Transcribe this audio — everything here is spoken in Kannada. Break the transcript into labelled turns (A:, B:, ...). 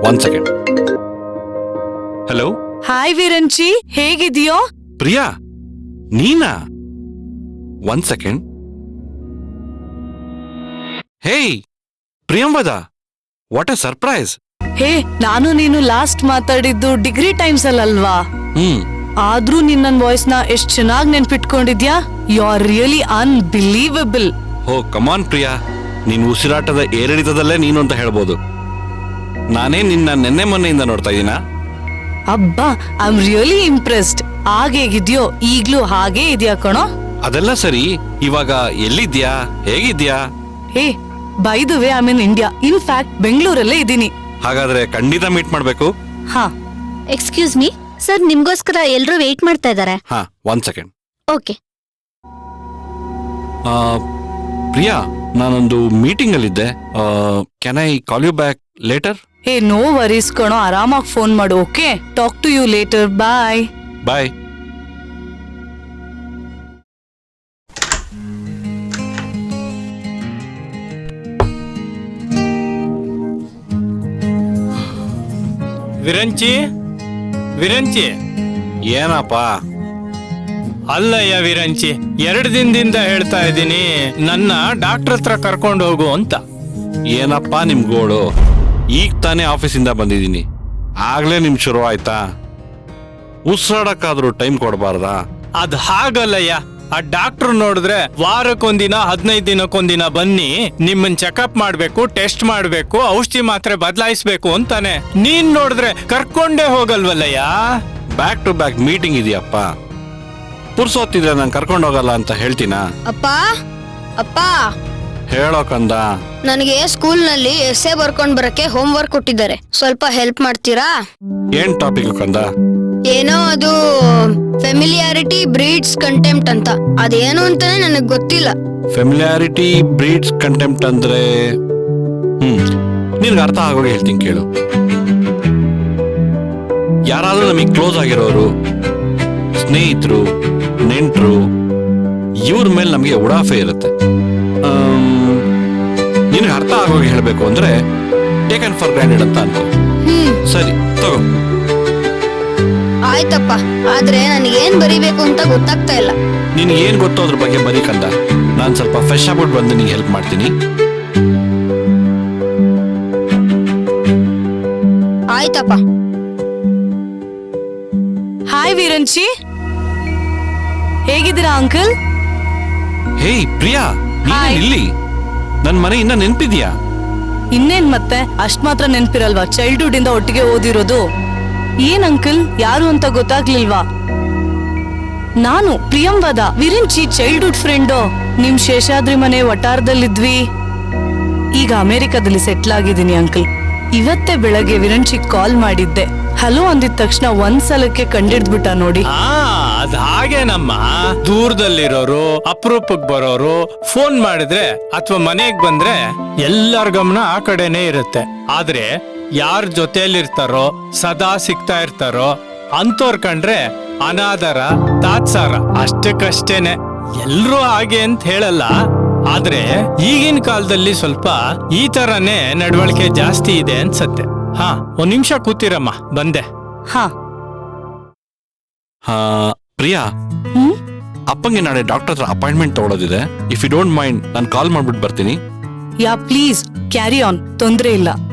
A: 1 second. ಹಲೋ.
B: ಹಾಯ್ ವಿರಂಚಿ, ಹೇಗಿದೆಯೋ?
A: ಪ್ರಿಯಾ, ನೀನಾ? 1 second. Hey Priyamvada, what a surprise.
B: Hey, ನಾನು ನೀನು ಲಾಸ್ಟ್ ಮಾತಾಡಿದ್ದು ಡಿಗ್ರಿ ಟೈಮ್ಸ್ ಅಲ್ವಾ? ಆದ್ರೂ ನಿನ್ನ ವಾಯ್ಸ್ ನ ಎಷ್ಟ್ ಚೆನ್ನಾಗಿ ನೆನ್ಪಿಟ್ಕೊಂಡಿದ್ಯಾ. You are really unbelievable.
A: ಹೋ ಕಮಾನ್ ಪ್ರಿಯಾ, ನೀನ್ ಉಸಿರಾಟದ ಏರಿಳಿತದಲ್ಲೇ ನೀನು ಅಂತ ಹೇಳ್ಬೋದು. ನಾನೇ ನಿನ್ನ ನೆನ್ನೆ ಮೊನ್ನೆಯಿಂದ ನೋಡ್ತಾ ಇದೀನಾ.
B: ಅಬ್ಬಾ, ಐ ಆಮ್ ರಿಯಲಿ ಇಂಪ್ರೆಸ್ಡ್. ಆಗೇಗಿದ್ಯೋ ಈಗ್ಲೂ ಹಾಗೇ ಇದೆಯಾ ಕಣೋ.
A: ಅದೆಲ್ಲ ಸರಿ, ಇವಾಗ ಎಲ್ಲಿದ್ಯಾ, ಹೇಗಿದ್ಯಾ?
B: Hey, by the way, I am in India. In fact ಬೆಂಗಳೂರಲ್ಲೇ ಇದ್ದೀನಿ.
A: ಹಾಗಾದ್ರೆ ಖಂಡಿತ ಮೀಟ್ ಮಾಡ್ಬೇಕು.
B: ಹಾ.
C: ಎಕ್ಸ್ಕ್ಯೂಸ್ ಮೀ ಸರ್, ನಿಮ್ಗೋಸ್ಕರ ಎಲ್ರೂ ವೇಟ್ ಮಾಡ್ತಾ ಇದ್ದಾರೆ.
A: ಹಾ, 1 second.
C: ಓಕೆ.
A: ಪ್ರಿಯಾ, ನಾನೊಂದು ಮೀಟಿಂಗ್ ಅಲ್ಲಿದ್ದೆ. Can I call you back later?
B: Hey, no worries ಕಣೋ, ಆರಾಮಾಗಿ ಫೋನ್ ಮಾಡು. Okay, talk to you later. Bye.
A: Bye.
D: Viranchi, Viranchi.
A: ಏನಪ್ಪ?
D: ಅಲ್ಲಯ್ಯ ವಿರಂಚಿ, 2 ದಿನದಿಂದ ಹೇಳ್ತಾ ಇದ್ದೀನಿ ನನ್ನ ಡಾಕ್ಟರ್ ಹತ್ರ ಕರ್ಕೊಂಡು ಹೋಗು ಅಂತ.
A: ಏನಪ್ಪ ನಿಮ್ ಗೋಳು? ಈಗ ತಾನೇ ಆಫೀಸಿಂದ ಬಂದಿದ್ದೀನಿ, ಆಗ್ಲೇ ನಿಮ್ ಶುರು ಆಯ್ತಾ? ಉಸಿರಾಡಕ್ಕಾದ್ರೂ ಟೈಮ್ ಕೊಡಬಾರ್ದಾ?
D: ಅದ್ ಹಾಗಲ್ಲಯ್ಯ, ಆ ಡಾಕ್ಟರ್ ನೋಡಿದ್ರೆ ವಾರಕ್ಕೊಂದಿನ 15 ದಿನಕ್ಕೊಂದಿನ ಬನ್ನಿ, ನಿಮ್ಮನ್ ಚೆಕಪ್ ಮಾಡ್ಬೇಕು, ಟೆಸ್ಟ್ ಮಾಡ್ಬೇಕು, ಔಷಧಿ ಮಾತ್ರೆ ಬದಲಾಯಿಸ್ಬೇಕು ಅಂತಾನೆ. ನೀನ್ ನೋಡಿದ್ರೆ ಕರ್ಕೊಂಡೇ ಹೋಗಲ್ವಲ್ಲಯ್ಯ.
A: ಬ್ಯಾಕ್ ಟು ಬ್ಯಾಕ್ ಮೀಟಿಂಗ್ ಇದೆಯಪ್ಪ. ಪುರ್ಸೊತ್ತಿದ್ರೆ ನಾನು ಕರ್ಕೊಂಡು ಹೋಗಲ್ಲ ಅಂತ ಹೇಳ್ತೀನಾ?
C: ಅಪ್ಪ, ಅಪ್ಪ,
A: ಹೇಳೋಕಂದ.
C: ನನಗೆ ಸ್ಕೂಲ್ನಲ್ಲಿ ಎಸ್ಸೆ ಬರ್ಕೊಂಡ್ ಬರಕ್ಕೆ ಹೋಮ್ ವರ್ಕ್ ಕೊಟ್ಟಿದ್ದಾರೆ, ಸ್ವಲ್ಪ ಹೆಲ್ಪ್ ಮಾಡ್ತೀರಾ?
A: ಏನ್ ಟಾಪಿಕ್ ಕಂದ?
C: ಏನೋ ಅದು ಫೆಮಿಲಿಯಾರಿಟಿ ಬ್ರೀಡ್ಸ್ ಕಂಟೆಂಪ್ಟ್ ಅಂತ. ಅದೇನು ಅಂತಾನೆ ನನಗ್ ಗೊತ್ತಿಲ್ಲ.
A: ಫೆಮಿಲಿಯಾರಿಟಿ ಬ್ರೀಡ್ಸ್ ಕಂಟೆಂಪ್ಟ್ ಅಂದ್ರೆ ನಿನ್ಗೆ ಅರ್ಥ ಆಗೋಗಿ ಹೇಳ್ತೀನಿ ಕೇಳು. ಯಾರಾದ್ರೂ ನಮಗೆ ಕ್ಲೋಸ್ ಆಗಿರೋರು, ಸ್ನೇಹಿತರು, ನೆಂಟರು, ಇವ್ರ ಮೇಲೆ ನಮಗೆ ಉಡಾಫೆ ಇರುತ್ತೆ. ನಿನಗೆ ಅರ್ಥ ಆಗೋಗಿ ಹೇಳ್ಬೇಕು ಅಂದ್ರೆ ಟೇಕನ್ ಫಾರ್ ಗ್ರಾಂಟೆಡ್ ಅಂತ ಅನ್ಕೋ. ಸರಿ ತಗೋ.
C: ಆಯ್ತಪ್ಪ, ಆದ್ರೆ ನನಗೇನ್ ಬರಿಬೇಕು ಅಂತ ಗೊತ್ತಾಗ್ತಾ ಇಲ್ಲ.
A: ನಿನ್ಗೆ ಏನ್ ಗೊತ್ತೋ ಅದ್ರ ಬಗ್ಗೆ ಬರೀ ಕಂದ. ನಾನ್ ಸ್ವಲ್ಪ ಫ್ರೆಶ್ ಆಗ್ಬಿಟ್ಟು ಬಂದು ನಿಂಗೆ ಹೆಲ್ಪ್ ಮಾಡ್ತೀನಿ.
C: ಆಯ್ತಪ್ಪ.
B: ಹಾಯ್ ವಿರಂಚಿ, ಹೇಗಿದ್ದೀರಾ ಅಂಕಲ್?
A: ಹೇಯ್ ಪ್ರಿಯಾ, ನೀನ್ ಇಲ್ಲಿ? ನನ್ ಮನೆ ಇನ್ನ ನೆನ್ಪಿದ್ಯಾ?
B: ಇನ್ನೇನ್ ಮತ್ತೆ, ಅಷ್ಟ್ ಮಾತ್ರ ನೆನ್ಪಿರಲ್ವಾ? ಚೈಲ್ಡ್ಹುಡ್ ಇಂದ ಒಟ್ಟಿಗೆ ಓದಿರೋದು. ಏನ್ ಅಂಕಲ್, ಯಾರು ಅಂತ ಗೊತ್ತಾಗ್ಲಿಲ್ವಾ? ನಾನು ಪ್ರಿಯಂವದ, ವಿರಿಂಚಿ ಚೈಲ್ಡ್ಹುಡ್ ಫ್ರೆಂಡು. ನಿಮ್ ಶೇಷಾದ್ರಿ ಮನೆ ವಟಾರದಲ್ಲಿದ್ವಿ. ಈಗ ಅಮೆರಿಕದಲ್ಲಿ ಸೆಟ್ಲ್ ಆಗಿದ್ದೀನಿ ಅಂಕಲ್. ಇವತ್ತೇ ಬೆಳಗ್ಗೆ ವಿರಂಚಿ ಕಾಲ್ ಮಾಡಿದ್ದೆ. ಹಲೋ ಅಂದಿದ ತಕ್ಷಣ ಒಂದ್ಸಲಕ್ಕೆ ಕಂಡಿಡ್ದ್ಬಿಟ್ಟ ನೋಡಿ.
D: ಅದ್ ಹಾಗೇನಮ್ಮ, ದೂರದಲ್ಲಿರೋರು, ಅಪರೂಪಕ್ ಬರೋರು ಫೋನ್ ಮಾಡಿದ್ರೆ ಅಥವಾ ಮನೆಗ್ ಬಂದ್ರೆ ಎಲ್ಲರ ಗಮನ ಆ ಕಡೆನೆ ಇರುತ್ತೆ. ಆದ್ರೆ ಯಾರ ಜೊತೆಲಿರ್ತಾರೋ, ಸದಾ ಸಿಗ್ತಾ ಇರ್ತಾರೋ ಅಂತೋರ್ ಕಂಡ್ರೆ ಅನಾದರ, ತಾತ್ಸಾರ ಅಷ್ಟಕ್ಕಷ್ಟೇನೆ. ಎಲ್ರೂ ಹಾಗೆ ಅಂತ ಹೇಳಲ್ಲ, ಆದ್ರೆ ಈಗಿನ ಕಾಲದಲ್ಲಿ ಸ್ವಲ್ಪ ಈ ತರನೇ ನಡವಳಿಕೆ ಜಾಸ್ತಿ ಇದೆ ಅನ್ಸತ್ತೆ. ಹಾ, 1 ನಿಮಿಷ ಕೂತಿರಮ್ಮ, ಬಂದೆ.
B: ಹಾ.
A: ಪ್ರಿಯಾ, ಅಪ್ಪಂಗೆ ನಾಳೆ ಡಾಕ್ಟರ್ ಹತ್ರ ಅಪಾಯಿಂಟ್ಮೆಂಟ್ ತಗೊಳ್ಳೋದಿದೆ. ಇಫ್ ಯು ಡೋಂಟ್ ಮೈಂಡ್ ನಾನು ಕಾಲ್ ಮಾಡ್ಬಿಟ್ಟು ಬರ್ತೀನಿ.
B: ಯಾ ಪ್ಲೀಸ್, ಕ್ಯಾರಿ ಆನ್, ತೊಂದ್ರೆ ಇಲ್ಲ.